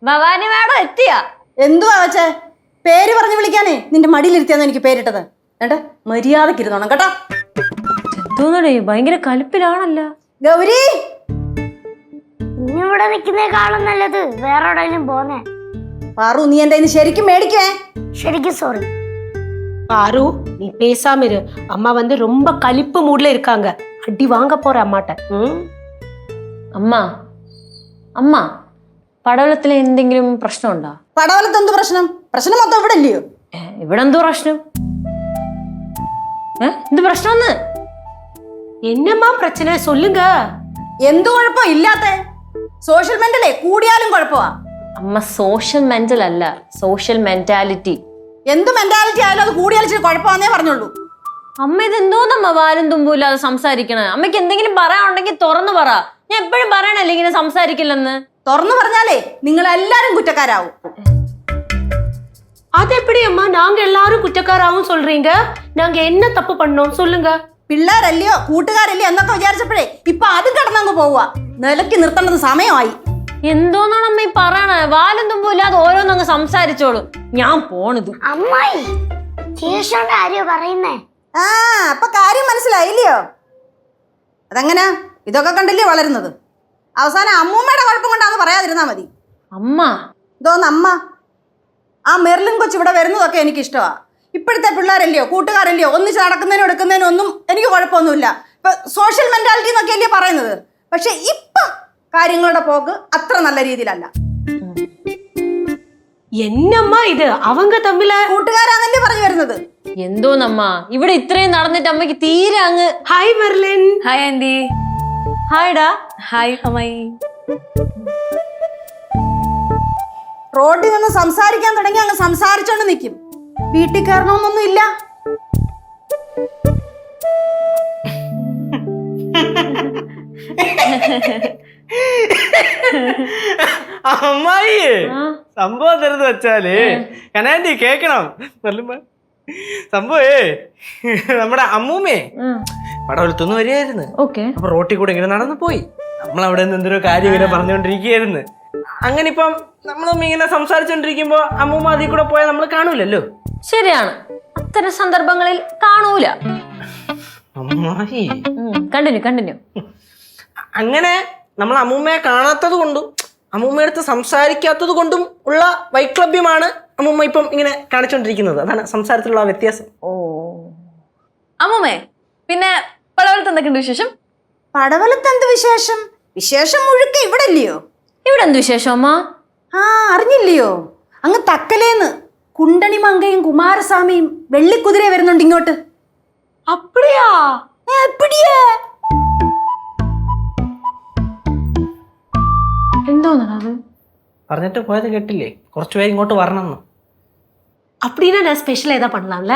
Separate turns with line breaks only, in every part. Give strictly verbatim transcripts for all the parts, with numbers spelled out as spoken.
Bhavani madam എത്തിയാ?
എന്തുവാ വെച്ചേ? പേര് പറഞ്ഞു വിളിക്കാനേ നിന്റെ മടിയിലിരുത്തിയാന്ന് എനിക്ക് പേരിട്ടത്. ഏട്ടാ മര്യാദക്ക് ഇരുന്നോണം കേട്ടോ.
എന്തോന്നടേ ഭയങ്കര കലിപ്പിലാണല്ലോ.
ഗൗരി,
ഇവിടെ നിൽക്കുന്നേക്കാളും നല്ലത് വേറെ എവിടെയെങ്കിലും പോന്നേ.
പാറു, നീ എന്റെ ശരിക്കും മേടിക്കേ.
ശരിക്കും സോറി.
பாரு நீ பேசாம இரு. அம்மா வந்து ரொம்ப கலிப்பு மூட்ல இருக்காங்க. அடி வாங்க போற அம்மாட்ட.
അമ്മ അമ്മ പടവലത്തിലെ എന്തെങ്കിലും പ്രശ്നമുണ്ടോ?
പടവലത്ത് എന്ത് പ്രശ്നം? പ്രശ്നം മൊത്തം ഇവിടെ ഇല്ലയോ?
ഇവിടെ എന്തോ പ്രശ്നം? എന്ത് പ്രശ്നം?
என்னம்மா பிரச்சனை சொல்லுங்க.
എന്ത് കുഴപ്പം ഇല്ലാത്ത? സോഷ്യൽ മെന്റലേ കൂടിയാലും കുഴപ്പമാ.
അമ്മ സോഷ്യൽ മെന്റൽ അല്ല, സോഷ്യൽ മെന്റാലിറ്റി.
എന്ത് മെന്റാലിറ്റി ആയാലും അത് കൂടിയാലും ഇച്ചിരി കുഴപ്പമാന്നേ പറഞ്ഞോളൂ.
അമ്മ ഇതെന്തോന്നമ്മ വാലും തുമ്പും ഇല്ലാതെ സംസാരിക്കണേ? അമ്മയ്ക്ക് എന്തെങ്കിലും പറയാനുണ്ടെങ്കിൽ തുറന്നു പറ. ഞാൻ എപ്പോഴും പറയണല്ലേ ഇങ്ങനെ സംസാരിക്കില്ലെന്ന്.
തുറന്നു പറഞ്ഞാലേ നിങ്ങൾ എല്ലാരും കുറ്റക്കാരാവും.
அது எப்படி அம்மா நாங்க எல்லாரும் குற்றக்காராவும் சொல்றீங்க? நாங்க என்ன தப்பு பண்ணோம் சொல்லுங்க.
പിള്ളേരല്ലയോ കൂട്ടുകാരല്ലയോ എന്നൊക്കെ വിചാരിച്ചപ്പോഴേ ഇപ്പൊ അതും കടന്നങ്ങ് പോവുക. നിലയ്ക്ക് നിർത്തേണ്ടത് സമയമായി.
എന്തോന്നാണ് അമ്മ ഈ പറയണേ? വാലും തുമ്പും ഇല്ലാതെ ഓരോന്നങ്ങ് സംസാരിച്ചോളൂ. ഞാൻ പോണത്.
അമ്മായി ശേഷോണ്ട് ആരെയോ പറയുന്നേ?
ആ അപ്പൊ കാര്യം മനസ്സിലായില്ലയോ? അതെങ്ങനാ? ഇതൊക്കെ കണ്ടില്ലേ വളരുന്നത്. അവസാനം അമ്മൂമ്മയുടെ കുഴപ്പം കൊണ്ടാന്ന് പറയാതിരുന്നാ മതി.
അമ്മ
ഇതോന്ന് അമ്മ. ആ മെർലിൻ കൊച്ച് ഇവിടെ വരുന്നതൊക്കെ എനിക്ക് ഇഷ്ടമാ. ഇപ്പോഴത്തെ പിള്ളേരല്ലയോ കൂട്ടുകാരല്ലയോ ഒന്നിച്ച് നടക്കുന്നതിനും എടുക്കുന്നതിനും ഒന്നും എനിക്ക് കുഴപ്പമൊന്നുമില്ല. ഇപ്പൊ സോഷ്യൽ മെന്റാലിറ്റി എന്നൊക്കെ അല്ലേ പറയുന്നത്. പക്ഷെ ഇപ്പം കാര്യങ്ങളുടെ പോക്ക് അത്ര നല്ല രീതിയിലല്ല.
എന്നമ്മ ഇത് அவங்க തമ്മിൽ
കൂട്ടുകാരാന്നല്ലേ പറഞ്ഞു വരുന്നത്.
എന്തോന്നമ്മ ഇവിടെ ഇത്രയും നടന്നിട്ട് അമ്മയ്ക്ക് തീരെ അങ്ങ്.
Hi Merlin.
Hi aunty. ഹായ്ഡാ. ഹായ് അമ്മായി.
റോഡിൽ നിന്ന് സംസാരിക്കാൻ തുടങ്ങി അങ്ങ് സംസാരിച്ചോണ്ട് നിൽക്കും. വീട്ടിൽ കയറണമെന്നൊന്നും ഇല്ല.
അമ്മായി സംഭവം തരുന്നത് വെച്ചാല് കനാൻഡി കേക്കണം. സംഭവേ നമ്മുടെ അമ്മൂമ്മേ പടവലത്തൊന്നും വരികയായിരുന്നു. അപ്പൊ റോട്ടിൽ കൂടെ ഇങ്ങനെ നടന്നു പോയി. നമ്മളവിടെ നിന്ന് എന്തൊരു കാര്യം ഇങ്ങനെ പറഞ്ഞുകൊണ്ടിരിക്കുകയായിരുന്നു. അങ്ങനെ ഇപ്പം നമ്മളും ഇങ്ങനെ സംസാരിച്ചോണ്ടിരിക്കുമ്പോ അമ്മൂമ്മ അതിൽ കൂടെ പോയാൽ നമ്മൾ കാണൂലല്ലോ.
ശരിയാണ്, അത്തരം സന്ദർഭങ്ങളിൽ കാണൂല.
അമ്മായി
കണ്ടിന്യൂ കണ്ടിന്യൂ.
അങ്ങനെ നമ്മൾ അമ്മൂമ്മയെ കാണാത്തത് കൊണ്ടും അമ്മൂമ്മയടുത്ത് സംസാരിക്കാത്തത് കൊണ്ടും ഉള്ള വൈക്ലഭ്യമാണ് അമ്മൂമ്മ ഇപ്പം ഇങ്ങനെ കാണിച്ചോണ്ടിരിക്കുന്നത്. അതാണ് സംസാരത്തിലുള്ള വ്യത്യാസം.
ഓ അമ്മൂമ്മേ, പിന്നെ പടവലത്ത് എന്തൊക്കെയുണ്ട് വിശേഷം?
പടവലത്ത് എന്ത് വിശേഷം? വിശേഷം മുഴുക്ക ഇവിടെ ഇല്ലയോ?
ഇവിടെ എന്ത് വിശേഷം അമ്മ?
ആ അറിഞ്ഞില്ലയോ? അങ്ങ് തക്കലേന്ന് കുണ്ടണിമങ്കയും കുമാരസ്വാമിയും വെള്ളിക്കുതിര വരുന്നുണ്ട് ഇങ്ങോട്ട്.
அப்படியா?
എപ്പിടിയാ?
എന്തോന്നത്
പറഞ്ഞിട്ട് പോയത് കേട്ടില്ലേ? കുറച്ചുപേര് ഇങ്ങോട്ട് വരണം.
அப்படின்னா நான் ஸ்பெஷல் ஏதா பண்ணலாம்ல?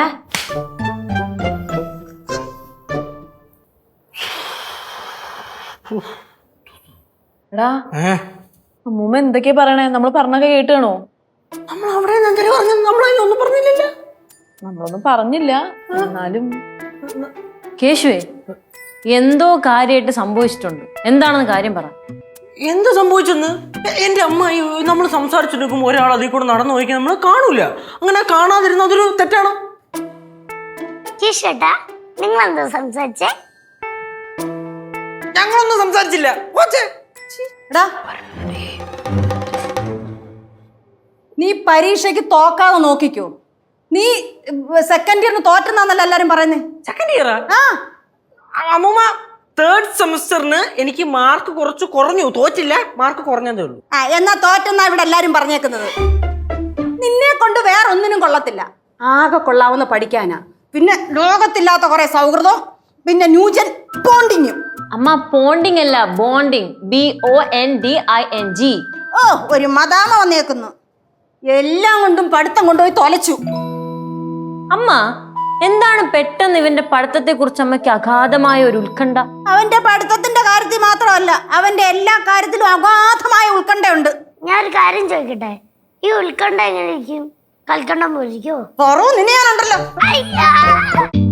എടാ അമ്മൂമ്മ എന്തൊക്കെയാ പറയണേ? നമ്മൾ പറഞ്ഞൊക്കെ കേട്ടാണോ?
നമ്മൾ അവിടെ നമ്മളൊന്നും പറഞ്ഞില്ലല്ലോ.
നമ്മളൊന്നും പറഞ്ഞില്ല. എന്നാലും കേശുവേ എന്തോ കാര്യമായിട്ട് സംഭവിച്ചിട്ടുണ്ട്. എന്താണെന്ന് കാര്യം പറ.
എന്ത് സംഭവിച്ചെന്ന്? എന്റെ അമ്മായി നമ്മൾ സംസാരിച്ചിരിക്കുമ്പോൾ ഒരാൾ അതിൽ കൂടെ നടന്നു പോയിക്കാൻ നമ്മൾ കാണൂല. അങ്ങനെ കാണാതിരുന്ന അതൊരു തെറ്റാണോ?
ചേട്ടാ നിങ്ങൾ എന്താ സംസാരിച്ചേ?
ഞങ്ങളൊന്നും സംസാരിച്ചില്ല.
നീ പരീക്ഷയ്ക്ക് തോക്കാതെ നോക്കിക്കോ. നീ സെക്കൻഡ് ഇയറിന് തോറ്റെന്നാന്നല്ല എല്ലാരും പറയുന്നേ.
സെക്കൻഡ് ഇയറാ?
ആ
അമ്മൂമ്മ തേർഡ് സെമസ്റ്ററിന് എനിക്ക് മാർക്ക് കുറച്ച് കുറഞ്ഞു. തോറ്റില്ല, മാർക്ക് കുറഞ്ഞതേ ഉള്ളൂ.
ആ എന്നാ തോറ്റെന്നാ ഇവിടെ എല്ലാരും പറഞ്ഞേക്കുന്നത്. നിന്നെ കൊണ്ട് വേറെ ഒന്നിനും കൊള്ളത്തില്ല. ആകെ കൊള്ളാവുന്ന പഠിക്കാനാ. പിന്നെ ലോകത്തില്ലാത്ത കുറെ സൗഹൃദം, പിന്നെ ന്യൂജൻ ബോണ്ടിങ്ങും.
അമ്മ പോണ്ടിങ് അല്ല, bonding. B O N D I N G.
ഓ ഒരു മദാമ വന്നേക്കുന്നു. എല്ലാം കൊണ്ടും പഠിത്തം കൊണ്ടുപോയി തൊലച്ചു.
അമ്മ എന്താണ് പെട്ടെന്ന് ഇവന്റെ പഠിത്തത്തെ കുറിച്ച് അമ്മയ്ക്ക് അഗാധമായ ഒരു ഉത്കണ്ഠ?
അവന്റെ പഠിത്തത്തിന്റെ കാര്യത്തിൽ മാത്രമല്ല, അവന്റെ എല്ലാ കാര്യത്തിലും അഗാധമായ ഉത്കണ്ഠയുണ്ട്.
ഞാനൊരു കാര്യം ചോദിക്കട്ടെ, ഈ ഉത്കണ്ഠ എങ്ങനെ ഇരിക്കും? കൽക്കണ്ടം പോലിരിക്കോ?
നിന്നെ ഞാനുണ്ടല്ലോ.